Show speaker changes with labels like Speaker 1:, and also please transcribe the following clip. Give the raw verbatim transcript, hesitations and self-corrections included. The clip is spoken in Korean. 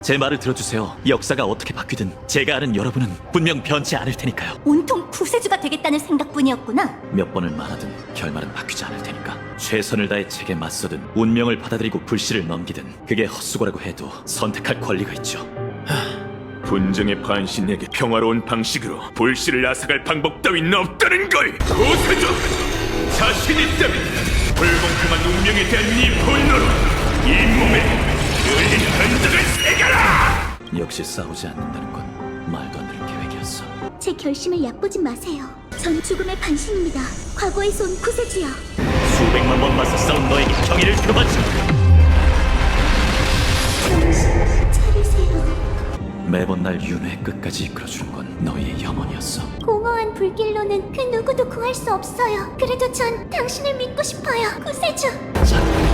Speaker 1: 제 말을 들어주세요. 역사가 어떻게 바뀌든 제가 아는 여러분은 분명 변치 않을 테니까요.
Speaker 2: 온통 구세주가 되겠다는 생각뿐이었구나.
Speaker 1: 몇 번을 말하든 결말은 바뀌지 않을 테니까 최선을 다해 책에 맞서든 운명을 받아들이고 불씨를 넘기든 그게 헛수고라고 해도 선택할 권리가 있죠.
Speaker 3: 분정의 반신에게 평화로운 방식으로 불씨를 앗아갈 방법 따윈 없다는 걸! 고세조! 자신 있다면 불공평한 운명에 대한 네 분노로 이 몸에 열린 흔적을 새겨라!
Speaker 1: 역시 싸우지 않는다는 건 말도 안 되는 계획이었어.
Speaker 2: 제 결심을 얕보진 마세요. 전 죽음의 반신입니다. 과거에서 온 구세주요.
Speaker 1: 수백만 번 맞서 싸운 너에게 경의를 표하지.
Speaker 2: 정신 차리세요.
Speaker 1: 매번 날 윤회의 끝까지 이끌어주는 건 너희의 영혼이었어.
Speaker 2: 공허한 불길로는 그 누구도 구할 수 없어요. 그래도 전 당신을 믿고 싶어요. 구세주.
Speaker 1: 자,